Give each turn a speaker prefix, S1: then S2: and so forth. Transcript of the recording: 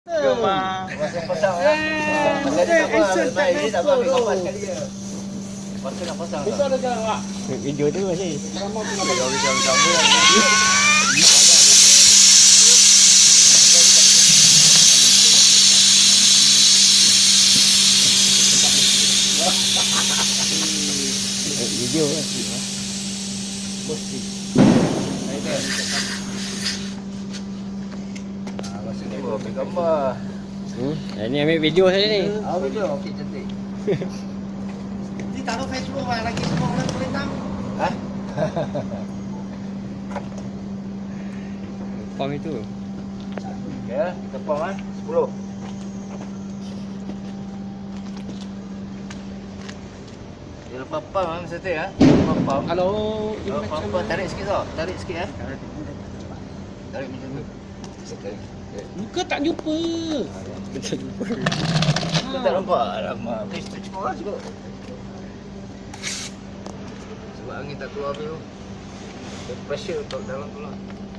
S1: Pasang-pasang lah. Jadi tak apa, baik ni tak apa, ambil gambar sekali je. Lepas tu nak pasang
S2: Besar dah jalan awak.
S3: Video tu masih.
S2: Ramah tu nak
S1: Video
S2: bagi.
S1: kita sambung lagi.
S3: Video lah.
S1: Masa ni ambil gambar.
S3: Ni ambil video saja ni.
S1: Video, okey cantik.
S2: Ni taruh Facebook lah lagi semua orang boleh tahu.
S1: Ha?
S3: Pam itu.
S1: Okey, kita pam kan? 10. Dia lepas pam kan masa tu ya? Lepas pam.
S2: Kalau
S1: Lepas pam tarik sikit tau. Tarik sikit ya. Tarik macam tu. Tarik.
S2: muka tak jumpa.
S1: Kau tak nampak? Alamak. Itu cuma orang juga. Sebab angin tak keluar tu. Pressure untuk dalam tu lah.